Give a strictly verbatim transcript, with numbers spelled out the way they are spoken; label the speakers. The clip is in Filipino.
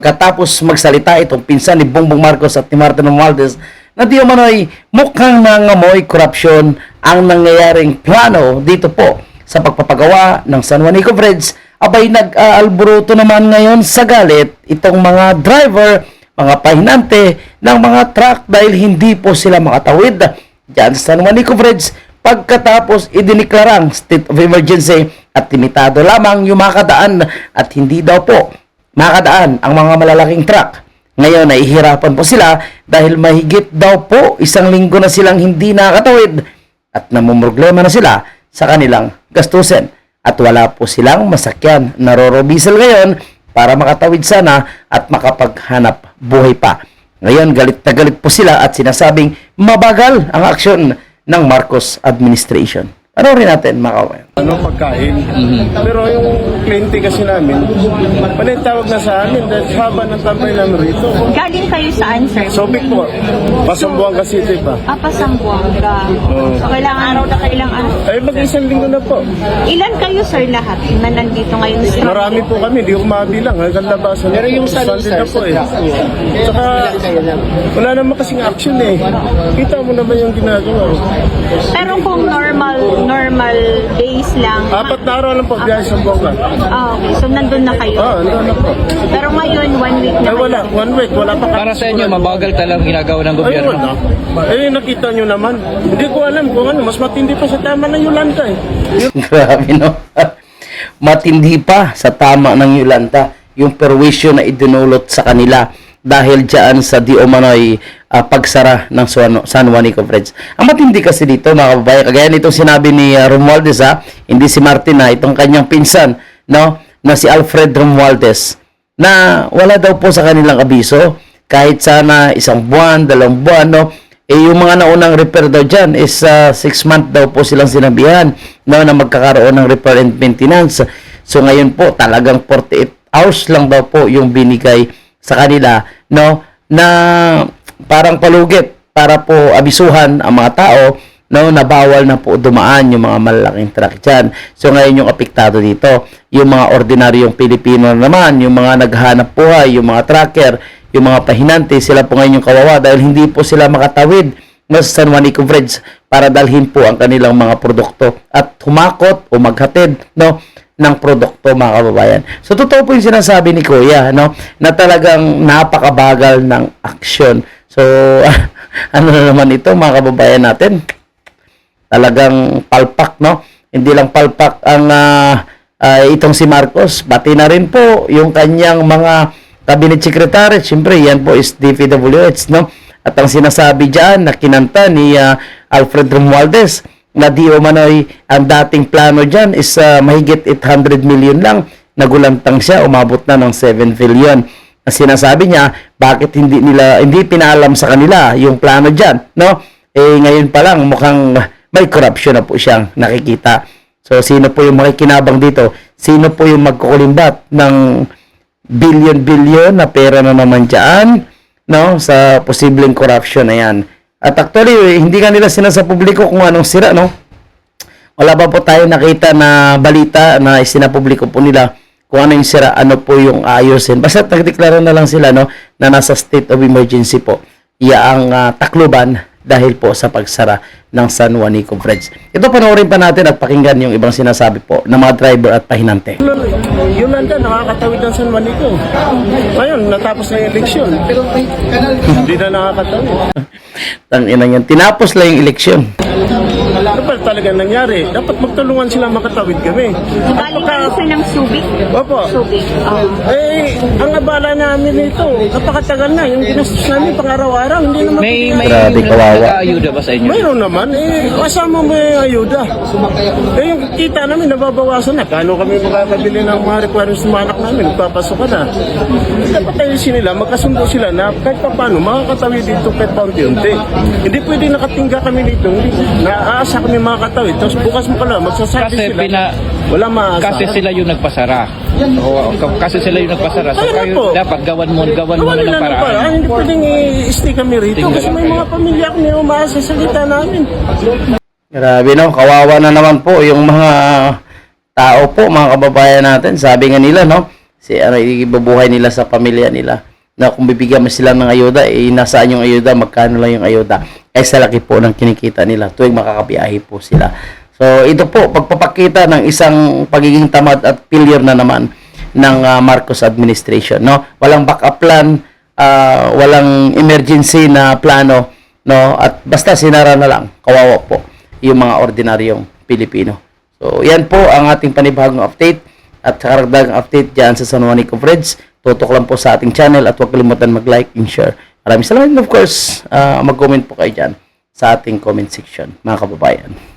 Speaker 1: Katapos magsalita itong pinsan ni Bongbong Marcos at ni Martin Romualdez na di umano'y mukhang nangamoy korupsyon ang nangyayaring plano dito po sa pagpapagawa ng San Juanico Bridge, abay nag-aalburuto naman ngayon sa galit itong mga driver, mga pahinante ng mga truck dahil hindi po sila makatawid dyan sa San Juanico Bridge pagkatapos idiniklarang state of emergency at limitado lamang yung makadaan at hindi daw po makadaan ang mga malalaking truck. Ngayon, nahihirapan po sila dahil mahigit daw po isang linggo na silang hindi nakakatawid at namumroblema na sila sa kanilang gastusin. At wala po silang masakyan na rorobisel ngayon para makatawid sana at makapaghanap buhay pa. Ngayon, galit na galit po sila at sinasabing mabagal ang aksyon ng Marcos administration. Ano rin natin, mga kawayan?
Speaker 2: Ano pagkain. Mm-hmm. Pero yung kliyente kasi namin, panitawag na sa amin dahil haba ng tambay namin rito.
Speaker 3: Galing kayo saan, sir?
Speaker 2: Sobik po. Pasambuang kasi ito pa.
Speaker 3: Ah, Pasambuanga.
Speaker 2: Oo.
Speaker 3: So, kailangan araw na kailang araw.
Speaker 2: Ay, mag-isang linggo na po.
Speaker 3: Ilan kayo, sir, lahat na nandito ngayon? Sir?
Speaker 2: Marami po kami, di ko mabilang. Hanggang labasan. Pero yung Sunday na po eh. Saka, wala naman kasing action eh. Kita mo naman yung ginagawa.
Speaker 3: Pero kung normal, normal days lang.
Speaker 2: Apat na araw lang po, biyahe sa Buanga.
Speaker 3: Ah, okay. So, nandun na kayo.
Speaker 2: Ah, ano na po.
Speaker 3: Pero ngayon, one week na
Speaker 2: Ay, wala. One week, wala pa.
Speaker 4: Para sa inyo, mabagal talagang ginagawa ng
Speaker 2: Ay,
Speaker 4: gobyerno.
Speaker 2: wala. Eh, nakita nyo naman. Hindi ko alam kung ano, mas matindi pa sa tama ng Yolanda eh.
Speaker 1: Grabe, no? Matindi pa sa tama ng Yolanda yung perwisyo na idinulot sa kanila dahil dyan sa di umano'y uh, pagsara ng San Juanico Bridge. Ang matindi kasi dito, mga kababayan, kagaya nitong sinabi ni uh, Romualdez, ha, hindi si Martin, ha, itong kanyang pinsan, no, na si Alfred Romualdez, na wala daw po sa kanilang abiso, kahit sana isang buwan, dalawang buwan, no, eh yung mga naunang repair daw dyan is uh, six month daw po silang sinabihan, no, na magkakaroon ng repair and maintenance. So ngayon po, talagang forty-eight hours lang daw po yung binigay sa kanila, no, na parang palugit para po abisuhan ang mga tao, no, na bawal na po dumaan yung mga malalaking truck dyan. So ngayon yung apektado dito, yung mga ordinaryong Pilipino naman, yung mga naghahanap buhay, yung mga trucker, yung mga pahinante, sila po ngayon yung kawawa dahil hindi po sila makatawid sa San Juanico Bridge para dalhin po ang kanilang mga produkto at humakot o maghatid, no, ng produkto, mga kababayan. So, totoo po yung sinasabi ni Kuya, no, na talagang napakabagal ng aksyon. So, ano na naman ito, mga kababayan natin? Talagang palpak, no? Hindi lang palpak ang uh, uh, itong si Marcos, pati na rin po yung kanyang mga cabinet secretary. Siyempre, yan po is D P W H, no? At ang sinasabi dyan na kinanta ni uh, Alfred Romualdez, na di umano'y ang dating plano dyan is uh, mahigit eight hundred million lang, nagulantang siya, umabot na ng seven billion. Ang sinasabi niya, bakit hindi nila hindi pinaalam sa kanila yung plano dyan, no? Eh ngayon pa lang mukhang may corruption na po siyang nakikita. So sino po yung makikinabang dito? Sino po yung magkukulimbat ng billion-billion na pera na naman dyan, no, sa posibleng corruption na yan? At actually, hindi ka nila sinasa publiko kung anong sira, no? Wala pa po tayo nakita na balita na isinapubliko po nila kung ano yung sira, ano po yung ayusin. Basta nagdeklara na lang sila, no, na nasa state of emergency po. Iya ang uh, takluban dahil po sa pagsara ng San Juanico Bridge. Ito, panoorin pa natin at pakinggan yung ibang sinasabi po ng mga driver at pahinante.
Speaker 2: Yolanda, nakakatawid ng San Juanico. Ngayon, natapos na yung eleksyon. Hindi na nakakatawid.
Speaker 1: Tanginang yan. Tinapos lang yung eleksyon.
Speaker 2: Ano ba talaga nangyari? Dapat magtulungan sila makatawid kami.
Speaker 3: Galing kayo, sir, ng Subic?
Speaker 2: Opo.
Speaker 3: Subic. Um,
Speaker 2: Eh, ang abala namin ito, napakatagal na. Yung ginastos namin pang-araw-araw, hindi naman...
Speaker 4: May, may
Speaker 1: Grabe, kawawa.
Speaker 4: nag-aayuda ba sa inyo?
Speaker 2: Mayroon naman, eh, kasama mo yung ayuda. Eh, yung kita namin, nababawasan na. Kano kami makakabili ng mga requirements ng mga anak namin, nagpapasok ka na. Dapat ayusin nila, magkasundo sila na kahit pa paano, makakatawid dito kahit paunti-unti. Hindi pwede nakatingga kami dito, hindi, naaasa kami makakatawid. Tapos bukas mo pala, magsasabi
Speaker 4: Kasi
Speaker 2: sila,
Speaker 4: pina-
Speaker 2: wala maasa.
Speaker 4: Kasi sila yung nagpasara. O, k- kasi sila yung nagpasara. So
Speaker 2: Kaya
Speaker 4: kayo
Speaker 2: po.
Speaker 4: dapat gawan mo, gawan mo
Speaker 2: Gawa
Speaker 4: na
Speaker 2: nila
Speaker 4: ng
Speaker 2: ng
Speaker 4: paraan.
Speaker 2: paraan. Hindi pwedeng i-stay kami rito
Speaker 4: Tingnan
Speaker 2: kasi
Speaker 4: lang
Speaker 2: may
Speaker 4: kayo.
Speaker 2: mga pamilya kami umaasa sa salita namin.
Speaker 1: Grabe, no? Kawawa na naman po yung mga tao po, mga kababayan natin. Sabi nga nila, no? si ano ibubuhay nila sa pamilya nila. Na kung bibigyan mo sila ng ayuda, eh, nasaan yung ayuda, magkano lang yung ayuda, ay sa laki po ng kinikita nila tuwing makakabiyahe po sila. So, ito po, pagpapakita ng isang pagiging tamad at failure na naman ng uh, Marcos administration, no? Walang backup plan, uh, walang emergency na plano, no? At basta sinara na lang, kawawa po yung mga ordinaryong Pilipino. So, yan po ang ating panibagong update at karagdagang update dyan sa San Juanico Friends. Tutok lang po sa ating channel at huwag kalimutan mag-like and share. Maraming salamat, and of course, uh, mag-comment po kayo dyan sa ating comment section, mga kababayan.